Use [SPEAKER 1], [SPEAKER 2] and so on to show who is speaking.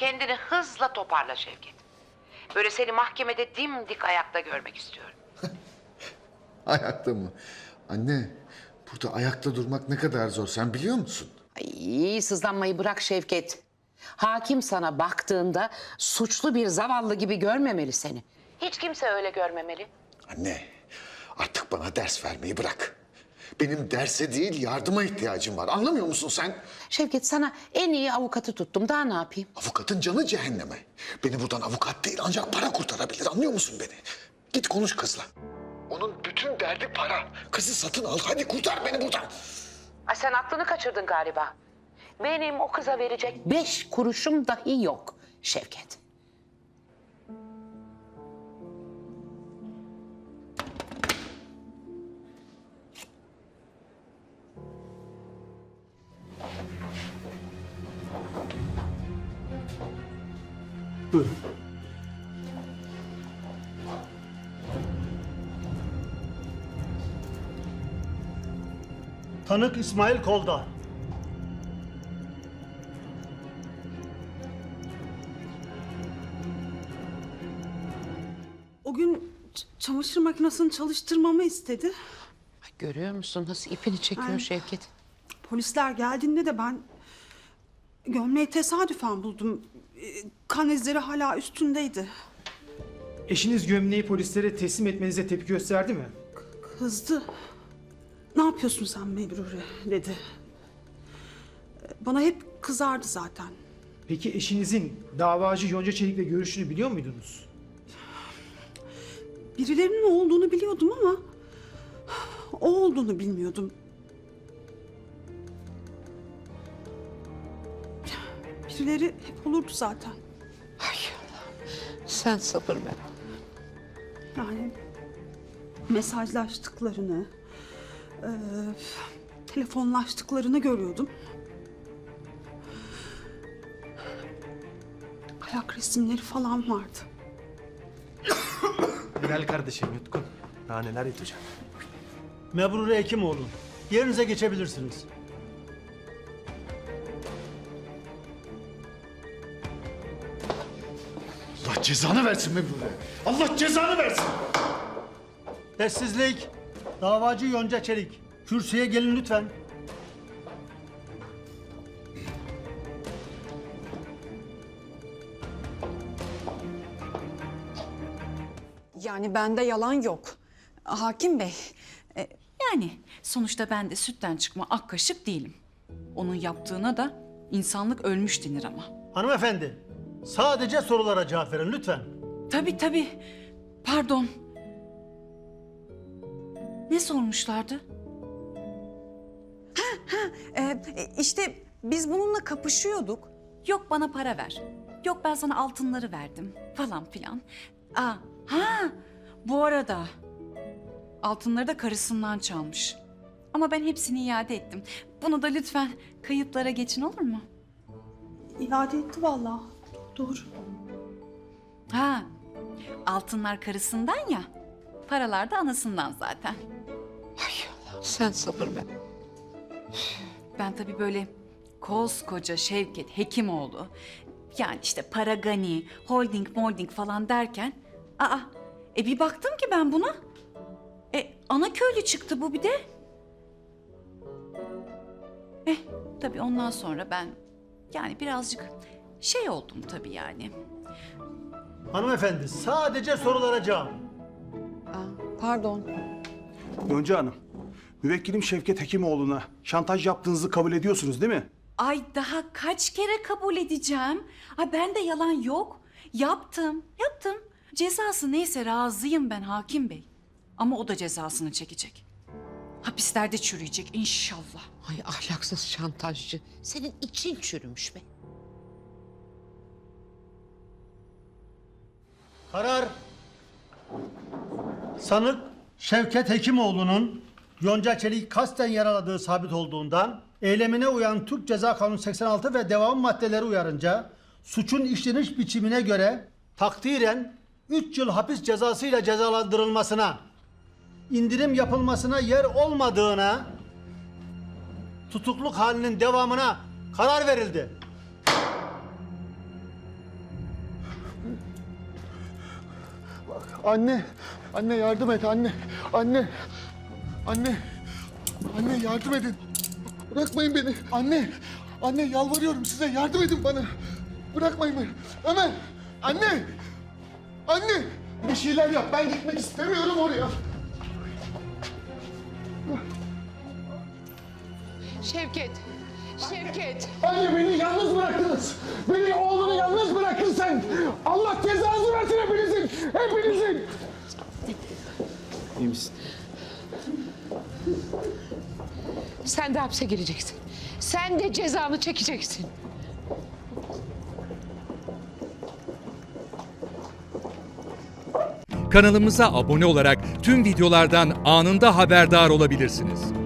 [SPEAKER 1] kendini hızla toparla Şevket. Böyle seni mahkemede dimdik ayakta görmek istiyorum.
[SPEAKER 2] Ayakta mı? Anne, burada ayakta durmak ne kadar zor sen biliyor musun?
[SPEAKER 1] Ay, sızlanmayı bırak Şevket. Hakim sana baktığında suçlu bir zavallı gibi görmemeli seni. Hiç kimse öyle görmemeli.
[SPEAKER 2] Anne, artık bana ders vermeyi bırak. Benim derse değil yardıma ihtiyacım var. Anlamıyor musun sen?
[SPEAKER 1] Şevket, sana en iyi avukatı tuttum. Daha ne yapayım?
[SPEAKER 2] Avukatın canı cehenneme. Beni buradan avukat değil ancak para kurtarabilir. Anlıyor musun beni? Git konuş kızla. Onun bütün derdi para. Kızı satın al. Hadi kurtar beni buradan.
[SPEAKER 1] Ay, sen aklını kaçırdın galiba. Benim o kıza verecek 5 kuruşum dahi yok Şevket.
[SPEAKER 3] Buyurun. Tanık İsmail Kolda.
[SPEAKER 4] O gün çamaşır makinesini çalıştırmamı istedi.
[SPEAKER 1] Ay, görüyor musun nasıl ipini çekiyor
[SPEAKER 4] Ay.
[SPEAKER 1] Şevket?
[SPEAKER 4] Polisler geldiğinde de ben gömleği tesadüfen buldum. Kan izleri hala üstündeydi.
[SPEAKER 3] Eşiniz gömleği polislere teslim etmenize tepki gösterdi mi?
[SPEAKER 4] Kızdı. Ne yapıyorsun sen Mebrure dedi. Bana hep kızardı zaten.
[SPEAKER 3] Peki eşinizin davacı Yonca Çelik'le görüştüğünü biliyor muydunuz?
[SPEAKER 4] Birilerinin olduğunu biliyordum ama o olduğunu bilmiyordum. Birileri hep olurdu zaten.
[SPEAKER 1] Ay Allah'ım, sen sabır ver.
[SPEAKER 4] Yani mesajlaştıklarını, telefonlaştıklarını görüyordum. Ayak resimleri falan vardı.
[SPEAKER 5] Helal kardeşim Yutkun. Daha neler yutacak.
[SPEAKER 3] Mebrure Hekimoğlu, yerinize geçebilirsiniz.
[SPEAKER 2] Allah cezanı versin Mebrure. Allah cezanı versin.
[SPEAKER 3] Sessizlik. Davacı Yonca Çelik. Kürsüye gelin lütfen.
[SPEAKER 6] Yani bende yalan yok. Hakim Bey,
[SPEAKER 7] Yani sonuçta ben de sütten çıkma ak kaşık değilim. Onun yaptığına da insanlık ölmüş denir ama.
[SPEAKER 3] Hanımefendi, sadece sorulara cevap verin lütfen.
[SPEAKER 7] Tabii. Pardon. Ne sormuşlardı?
[SPEAKER 6] işte biz bununla kapışıyorduk.
[SPEAKER 7] Yok bana para ver. Yok ben sana altınları verdim falan filan. Bu arada altınları da karısından çalmış. Ama ben hepsini iade ettim. Bunu da lütfen kayıtlara geçin olur mu?
[SPEAKER 4] İade etti vallahi. Doğru.
[SPEAKER 7] Altınlar karısından ya, paralar da anasından zaten.
[SPEAKER 1] Ay Allah'ım, sen sabır ver.
[SPEAKER 7] Ben tabii böyle koskoca Şevket Hekimoğlu, yani işte para gani, holding falan derken, bir baktım ki ben buna, ana köylü çıktı bu bir de. Tabii ondan sonra ben yani birazcık şey oldum tabii yani.
[SPEAKER 3] Hanımefendi, sadece sorulara cevap.
[SPEAKER 6] Pardon.
[SPEAKER 5] Yonca Hanım, müvekkilim Şevket Hekimoğlu'na şantaj yaptığınızı kabul ediyorsunuz değil mi?
[SPEAKER 7] Ay daha kaç kere kabul edeceğim? Bende yalan yok. Yaptım. Cezası neyse razıyım ben hakim bey. Ama o da cezasını çekecek. Hapislerde çürüyecek inşallah.
[SPEAKER 1] Ay ahlaksız şantajcı. Senin için çürümüş be.
[SPEAKER 3] Karar. Sanık Şevket Hekimoğlu'nun Yonca Çelik kasten yaraladığı sabit olduğundan eylemine uyan Türk Ceza Kanunu 86 ve devam maddeleri uyarınca suçun işleniş biçimine göre takdiren 3 yıl hapis cezasıyla cezalandırılmasına, indirim yapılmasına yer olmadığına, tutukluk halinin devamına karar verildi.
[SPEAKER 2] Anne, anne yardım et anne. Anne, anne, anne yardım edin. Bırakmayın beni. Anne, anne yalvarıyorum size yardım edin bana. Bırakmayın beni. Ömer, anne, anne. Bir şeyler yap. Ben gitmek istemiyorum oraya.
[SPEAKER 1] Şevket, Şevket.
[SPEAKER 2] Anne beni yalnız bıraktınız. Beni oğlunu yalnız bıraktın sen. Allah cezanızı versin hepinizin. Hepinizin.
[SPEAKER 5] İyi misin?
[SPEAKER 1] Sen de hapse gireceksin. Sen de cezanı çekeceksin.
[SPEAKER 8] Kanalımıza abone olarak tüm videolardan anında haberdar olabilirsiniz.